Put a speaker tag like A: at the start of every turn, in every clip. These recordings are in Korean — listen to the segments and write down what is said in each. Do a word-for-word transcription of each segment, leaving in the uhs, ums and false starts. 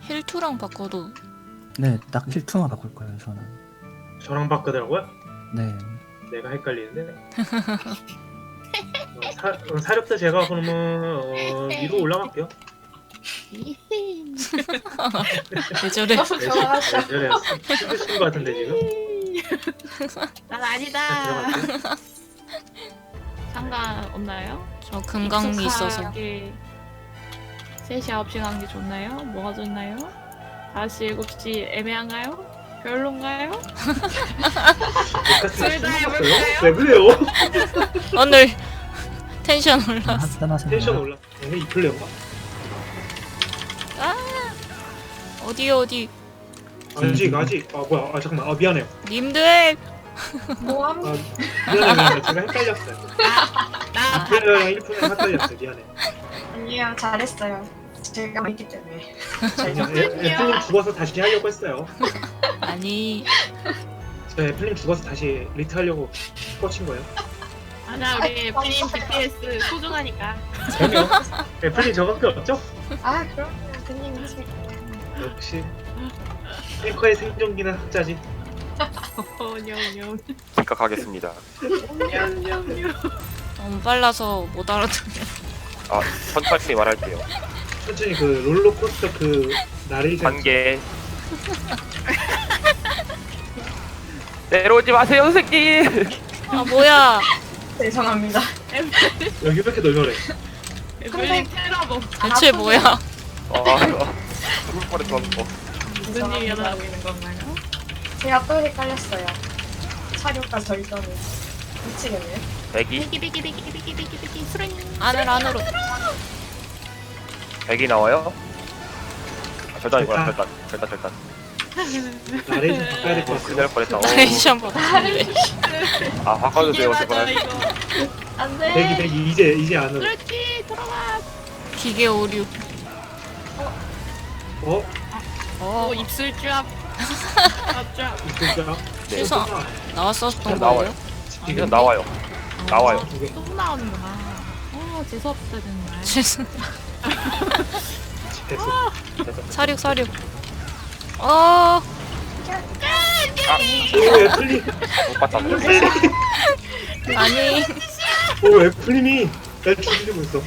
A: 힐투랑 바꿔도
B: 네, 딱 힐투만 바꿀 거예요, 저는.
C: 저랑 바꾸더라고요?
B: 네.
C: 내가 헷갈리는데. 어, 사, 어, 사력도 제가 그러면 어, 위로 올라갈게요.
A: 왜 저래?
D: 너무 좋아하셔.
C: 네, 저래 힘드신 것 같은데 지금.
E: 난
C: 자,
E: 아니다.
C: 들어갈게요.
E: 상관없나요?
A: 저 금강이 있어서.
E: 익숙하게 셋이 아홉 시 간 게 좋나요? 뭐가 좋나요? 다섯 시 일곱 시 애매한가요? 별론가요? 둘다 해볼까요?
C: 왜 그래요?
A: 오늘 텐션 올랐어.
B: 한잔하세요.
C: 텐션 올라. 오늘 이 플레이어가?
A: 아 어디 어디
C: 아직 아직. 아 뭐야? 아 잠깐만. 아 미안해요.
A: 님들
D: 모함.
C: 아 미안해 미안해. 제가 헷갈렸어요.
E: 나
C: 플레이어랑 일 분에 헷갈렸어요. 미안해.
D: 아니에요, 잘했어요. 제가 있기 때문에.
C: 그냥 애- 애플님 죽어서 다시 하려고 했어요.
A: 아니
C: 저 애플님 죽어서 다시 리트 하려고 꽂힌 거예요.
E: 아나 우리 프림 디피에스 소중하니까.
C: 그럼요. 애플님 저밖에 없죠?
D: 아, 그럼요. 그님 하실게요.
C: 역시 탱커의 생존기는 학자지.
E: 어냐냐.
F: 생각하겠습니다.
A: 너무 빨라서 못 알아듣네.
F: 아, 천천히 말할게요.
C: 천천히 그 롤러코스터 그 나레이션.
F: 단계. 내려오지 마세요, 선생님.
A: 아 뭐야?
D: 죄송합니다.
C: 여기 왜 이렇게 널널해?
E: 에블린 테러범.
A: 대체 뭐야?
F: 아, 죽을 뻔했어.
E: 무슨 일이 일어나고 있는 건가요?
D: 제가 또 헷갈렸어요. 사료과 절전을. 미치겠네.
F: 백이,
E: 비기 비기 비기 비기 비기 비기 수랭.
A: 안으로 안으로.
F: 백이 나와요? 아, 절단이구나, 절단, 절단, 절단.
C: 나레이션 바꿔야 될 것
F: 어,
C: 같아요.
F: 큰일 날 뻔했다. 어.
A: 나레이션 받았는데.
F: 아, 바꿔주세요,
E: 이게 맞아
F: 제발.
E: 이거.
D: 안 돼.
C: 대기 대기 이제 이제 안으로.
E: 그렇지 돌아와.
A: 기계 오류.
C: 어?
A: 어
E: 오 입술 쫙. 쫙.
C: 진짜.
F: 네,
A: 실수 나왔었던
F: 나와요.
A: 거예요?
F: 지금 나와요. 나와요.
C: 이게
E: 또 나오는구나. 어 재수 없다 정말.
A: 죄송.
C: 됐어.
A: 사륙 사륙. 어
C: 오 애플님.
F: 못 봤다. 못 봤다.
A: 아니
C: 오 애플님이 날 죽이고 있어.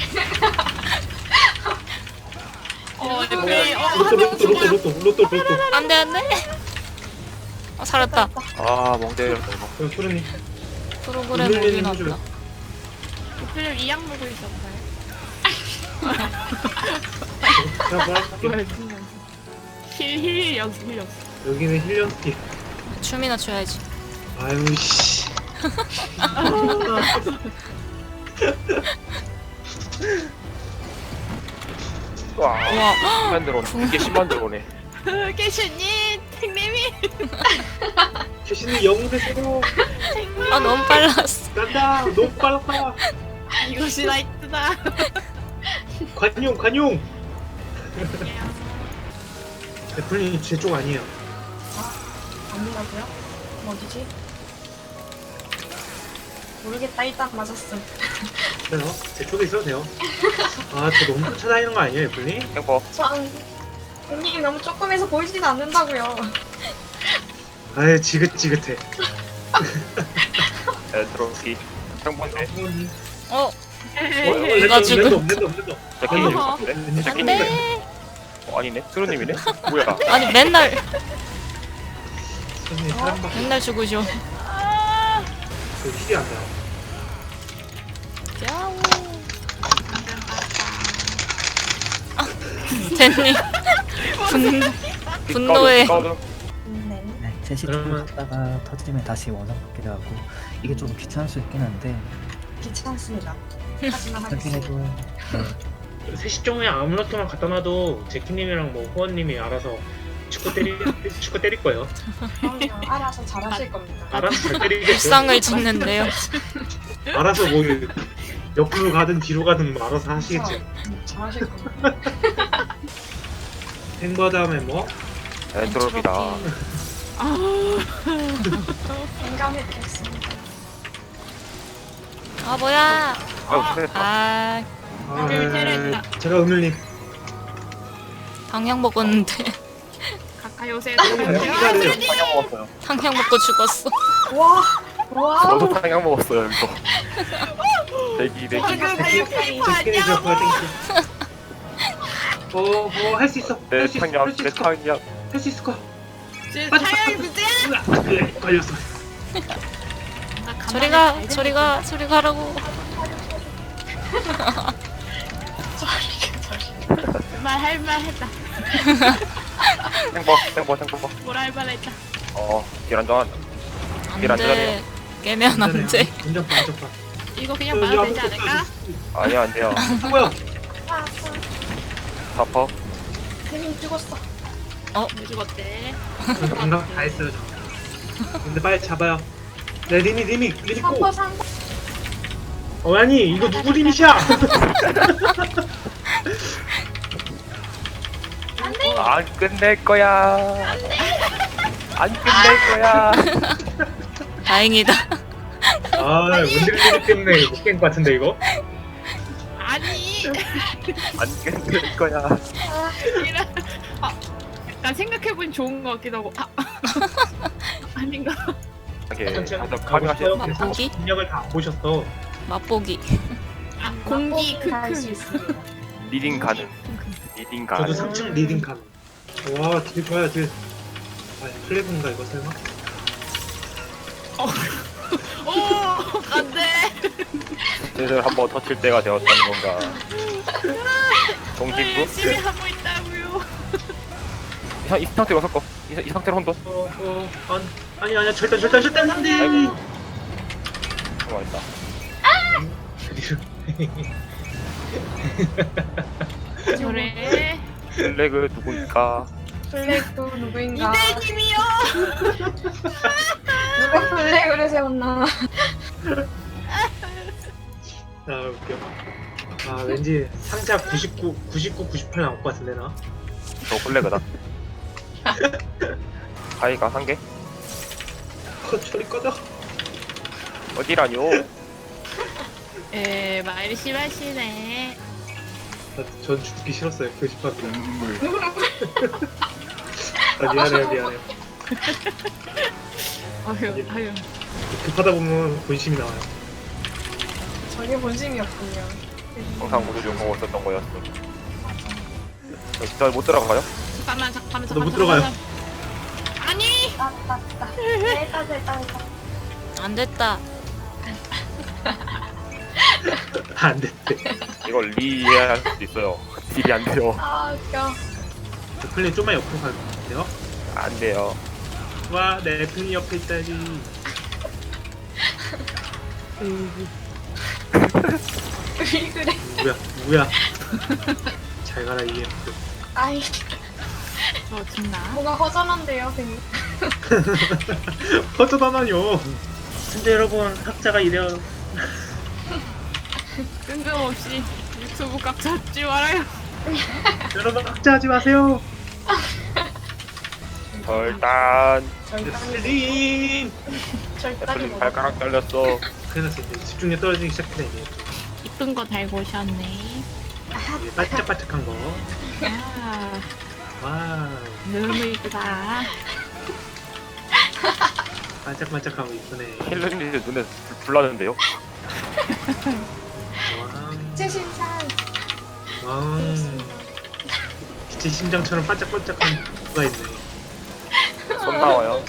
E: 어 에블린 어
C: 로또 로또 로또 로또 로또 로또.
A: 안돼 안돼. 어, 살았다.
F: 아, 멍대 이거.
C: 그 소르님.
A: 프로그램
C: 오늘은
A: 오긴
C: 해줘요.
A: 왔다.
E: 에블린 이약 먹고 있었나요?
C: 제가 뭐 할게요.
E: 힐힐 연습 힐 연습.
C: 여기는 힐리언스키.
A: 춤이나 춰야지.
C: 아유 씨.
F: 와,
A: 우와.
F: 십만 들어오네. 이게 십만 들어오네.
E: 깨슈님 택님이
C: 캐시님 영웅의 새로
A: 아 너무 빨랐어.
C: 간다. 너무 빨랐다.
E: 이것이 나이트다.
C: 관용 관용. 애플님 제 쪽 아니에요.
D: 아니라고요? 어디지? 모르겠다. 일단 맞았음.
C: 돼요? 제 쪽에 있어도 돼요. 아, 저 너무 쫓아다니는 거 아니에요, 애플님?
F: 탱퍼.
D: 전 그님이 너무 조금해서 보이진 않는다고요.
C: 아유, 지긋지긋해.
F: 에드로키. 탱퍼인데.
A: 어
C: 랜덤,
A: 가지고.
C: 랜덤, 랜덤, 랜덤.
F: 제끼
C: 아니,
F: 여기 있었는데? 제끼님이네.
A: 안돼.
F: 어, 아니네. 수루님이네? 뭐야?
A: 아니 맨날
C: 선생님, 사람 밖에
A: 맨날 죽으셔.
C: 그 힐이 안 나요.
A: 야오. 댄님 분 분노에
F: 까우드.
D: 네.
B: 네, 셋이
C: 그러면-
B: 죽다가 터지면 다시 원상 받기도 하고 이게 좀 귀찮을 수 있긴 한데
D: 귀찮습니다. 하지만
B: 하긴
D: 하겠습니다.
B: 해도 네,
C: 셋시 종에 아무렇게만 갖다 놔도 제키님이랑 뭐 후원님이 알아서 축구 때리, 축구 때릴 거예요.
D: 그럼요. 알아서 잘하실 겁니다.
C: 알아서 잘 때리겠죠.
A: 일상을 짓는데요.
C: 알아서 뭐 옆으로 가든 뒤로 가든 뭐 알아서 하시겠죠.
D: 음, 잘하실 겁니다.
C: 탱버 다음에 뭐?
F: 에드로피다.
D: 공감했겠습니다.
A: 아 뭐야?
F: 아유, 잘했다.
A: 아
C: 아,
E: 그 테레스다.
C: 제가 음일님.
A: 당약 먹었는데
E: 가까이 오세요.
F: 탕약 먹었어요.
A: 당약 먹고 죽었어.
D: 와, 와우.
F: 저도 탕약 먹었어요 이거. 대기 대기.
C: 제키님 저 그거 땡큐. 어뭐할 수 있어.
F: 내
C: 할 수 있어.
F: 탕약
C: 할 수
F: 내
C: 있을 거야.
F: 탕약.
C: 할 수 있을 거야.
E: 타이어 문제야.
C: 으아, 그래 걸렸어.
A: 저리 가, 저리 가, 저리 가라고.
E: 말할말 했다.
F: 행복 행복 행복.
E: 뭐라 할 말했다.
F: 어 계란전.
A: 안
F: 길 안
A: 돼.
F: 되네요.
A: 깨면 안 돼.
C: 운전파 운전파.
E: 이거 그냥 말하면 되지 않을까?
F: 아니 안 돼요.
C: 뭐야?
F: 사퍼.
D: 괜히 죽었어.
E: 왜 죽었대?
C: 방금 다 했어요 저. 근데 빨리 잡아요. 네 리미 리미 리미 고.
D: 삼퍼 삼퍼.
C: 어 아니 이거 누구 리미야?
F: 안 끝낼 거야. 안 끝낼 거야.
A: 다행이다.
C: 아 원딜 리미 때문에 못 깬 것 같은데 이거?
E: 아니.
F: 안 끝낼 거야.
E: 이런. 아, 난 생각해보니 좋은 것 같기도 하고. 아. 아닌가?
F: 이게
C: 천천히
F: 가서
C: 가고
F: 카빙 하시.
C: 싶어요.
A: 맛보기?
C: 그래서 능력을 다 안 보셨어.
A: 맛보기.
E: 아, 공기
D: 할수
E: 크크.
D: 있습니다.
F: 리딩 가능. 리딩
C: 저도
F: 가능.
C: 삼 층 리딩 감. 와 딜 좋아요 딜. 아 플래그인가 이거 설마?
E: 오, 안돼.
F: 슬슬 한번 터칠 때가 되었다는 건가. 동진구?
E: 열심히 하고 있다고요.
F: 이, 상- 이 상태로 섞어. 이, 이 상태로 혼돈.
C: 어어 아니 아니 아니야 절대 절대 절대 안돼.
F: 아이고. 고맙다.
E: 저래.
F: 플래그 누구일까?
D: 플래그 누구인가?
E: 이대님이요.
D: 누가 플래그를 세웠나?
C: 아 웃겨. 아 왠지 상자 구십구, 구십구, 구십팔 나올 것 같은데 나.
F: 저 플래그다. 가이가 한 개?
C: 어, 저리 꺼져.
F: 어디라뇨?
E: 에, 말심하시네.
C: 아, 전 죽기 싫었어요 교집합이.
F: 눈물.
C: 아 미안해요 미안해요.
E: 아유, 아유.
C: 급하다 보면 본심이 나와요.
D: 저게 본심이었군요.
F: 항상 모두 좀 보고 있었던 거였어. 저 진짜 못 들어가요?
E: 잠깐만, 잠깐만,
C: 저도
E: 잠깐만.
C: 못 들어가요.
E: 잠깐만. 아니.
D: 따따따. 됐다 됐다 됐다.
A: 안 됐다.
C: 안 됐대.
F: 이걸 리해야 할 수도 있어요. 딜이 안 돼요.
D: 아 웃겨.
C: 저 플레이 좀만 옆으로 갈 것 같아요.
F: 안 돼요.
C: 와, 내 플레이 옆에 있다니.
D: 왜 그래?
C: 누구야? 누구야? 잘 가라 이에.
D: 아이
E: 저 죽나?
D: 뭔가 허전한데요, 괜히.
C: 어쩌다나요? 근데 여러분 학자가 이래요.
E: 뜬금없이 유튜브 값 잡지 말아요.
C: 여러분 학자하지 마세요.
F: 절단.
D: 절단이
C: 애플님.
D: 절단이
F: 애플님
D: 뭐야?
F: 발가락 잘렸어.
C: 큰일 났어 이제 집중력 떨어지기 시작했네 이제.
E: 이쁜 거 달고 오셨네.
C: 이제 반짝반짝한 거.
E: 아,
C: 와,
E: 너무 이쁘다.
C: 반짝반짝하고 이쁘네.
F: 힐러님이 눈에 불- 불나는데요?
D: 최신산.
C: 와, 와. 제 심장처럼 반짝반짝한 거가 있네.
F: 손 나와요.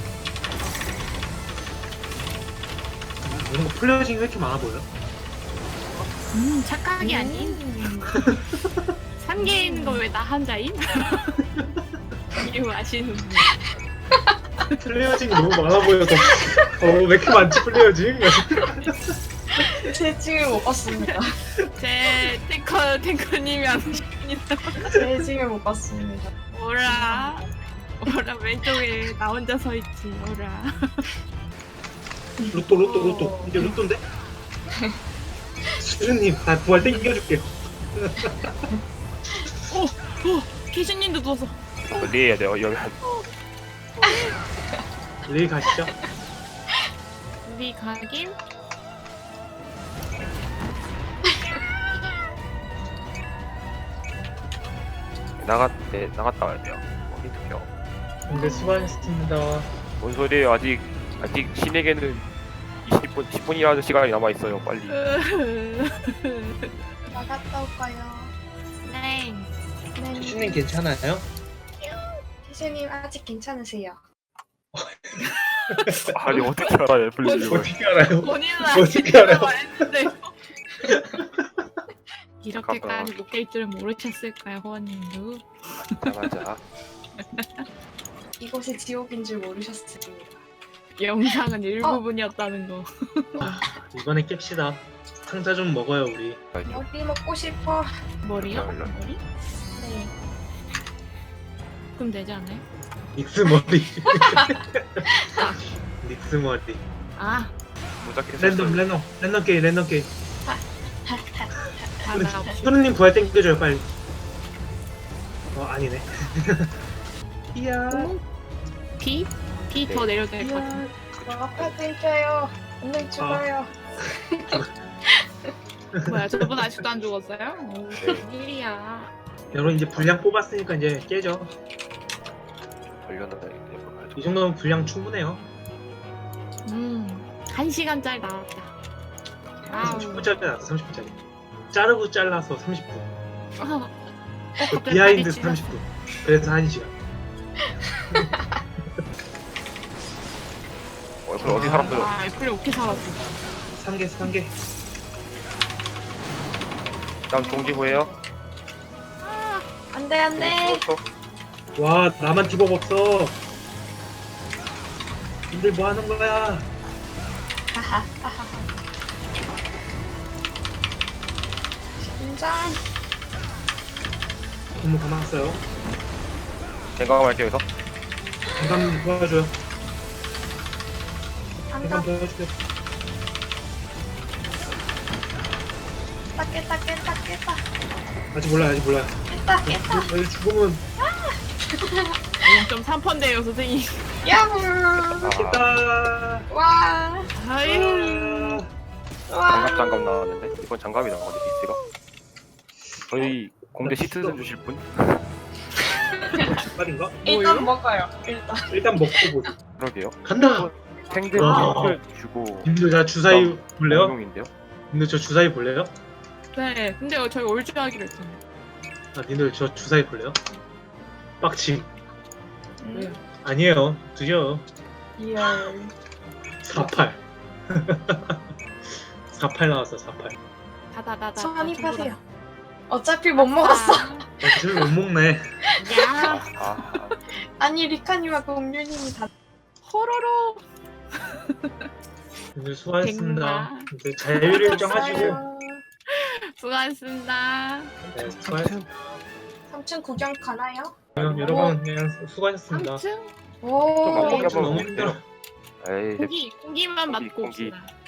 C: 뭔가 플레어징이 왜 이렇게 많아 보여?
E: 음, 착각이 아닌. 산 개 있는 거 왜 나 한자임? 이유 아시는 분.
C: 플레어징이 너무 많아 보여서 어왜 이렇게 많지 플레어징?
D: 제 징을 못 봤습니다.
E: 제 탱커 탱커님이 안 오십니다.
D: 제 징을 못 봤습니다.
E: 오라. 오라 왼쪽에 나 혼자 서 있지. 오라.
C: 로또 로또 로또 이제 로또인데? 수준님 나 부활 땡겨줄게요.
E: 오, 오, 기준님도 누워서.
F: 리해야 돼요. 여기 한
C: 내일 가시죠.
E: 우리 가긴.
F: 나갔 네, 나갔다 와야 돼요. 어디 투표?
C: 근데 수고하셨습니다.
F: 뭔 소리예요? 아직 아직 신에게는 이십 분 십 분이라는 시간이 남아 있어요. 빨리.
D: 나갔다 올까요?
E: 네.
D: 네.
C: 시님 괜찮아요?
D: 희수님 아직 괜찮으세요?
F: 아니 어떻게 알아요, 애플리를?
C: 어떻게 알아요?
E: 본인은
C: 어떻게 알아요?
E: 말했는데 이렇게까지
F: 잠깐만.
E: 못 깰 줄은 모르셨을까요, 호원님도?
F: 맞아 맞아.
D: 이곳이 지옥인 줄 모르셨습니다.
E: 영상은 일부분이었다는 거.
C: 이번에 깹시다. 상자 좀 먹어요 우리.
D: 머리 먹고 싶어.
E: 머리요?
F: 별로.
E: 머리?
D: 네.
E: 그럼 되지 않아요?
C: 닉스 머리. 닉스 머리.
E: 아,
F: 무작해서
C: 랜덤 랜덤 랜덤 게임 랜덤 게임.
E: 아, 나 없이.
C: 소르님 부활 땡겨줘요 빨리. 어 아니네. 이야.
E: 비? 비 더 내려도 될 것 같아.
D: 이야. 아파 땡겨요. 오늘 죽어요.
E: 뭐야, 저분 아직도 안 죽었어요? 오,
F: 네.
E: 일이야.
C: 여러분 이제 분량 뽑았으니까 이제 깨죠.
F: 걸렸는데 이거
C: 이 정도면 분량 충분해요.
E: 음, 한 시간짜리 나왔다. 아우.
C: 삼십 분짜리 나왔어 삼십 분짜리. 자르고 잘라서 삼십 분.
E: 어,
C: 그
E: 갑자기
C: 비하인드
E: 다리 찢었어.
C: 삼십 분. 그래서 한 시간.
F: 어, 애플 어디 사람들?
E: 아, 애플이 어떻게 살았어?
C: 삼 개 삼 개.
F: 다음 종지부예요.
D: 안돼 안돼.
C: 와 나만 디법 없어. 님들 뭐 하는 거야?
D: 하하하하. 심장.
C: 너무 가만 있어요.
F: 생각할게요 여기서.
C: 잠깐 도와줘요.
D: 안다.
C: 잠깐 도와주세요.
D: 깼다 깼다 깼다 깼다
C: 아직 몰라요 아직 몰라요.
D: 깼다 깼다.
C: 여기 죽으면
E: 영 점 삼 퍼센트예요, 선생님.
D: 야호.
F: 아,
C: 깼다.
D: 와.
E: 아유.
D: 와.
F: 장갑 장갑 나왔는데 이번 장갑이 나왔는데 디스가. 저희 공대 시트즌 주실 분?
C: 말인가?
D: 일단 먹어요. 일단.
C: 일단 먹고 보자.
F: 그러게요.
C: 간다.
F: 탱들
C: 와.
F: 탱들 주고.
C: 님들 자 주사위 볼래요?
F: 공룡인데요?
C: 님들 저 주사위 볼래요?
E: 네, 근데 저희 올주 하기로 했잖아요.
C: 아 님들 저 주사위 볼래요? 빡침.
E: 왜요?
C: 아니에요. 드려.
D: 이야.
C: 사팔. 사팔 나왔어 사팔.
E: 다다다다.
D: 선입하세요. 어차피 못 먹었어.
C: 어차피 못 먹네.
E: 야,
F: 아, 아,
D: 아니 리카님과 공유님이 다.
E: 호로로.
C: 님들 수고하셨습니다.
E: 백마.
C: 이제 자유를 인정하시고.
D: 됐어요.
E: 수고하셨습니다.
C: 네, 수고하셨습니다.
D: 삼 층 구경 가나요?
C: 그럼 여러분 그냥 수고하셨습니다.
E: 삼 층
D: 오.
F: 좀
C: 어,
F: 먹어보면
C: 너무 힘들어.
F: 에이,
E: 고기, 고기만
F: 고기,
E: 맛고
F: 고기.
E: 옵시다.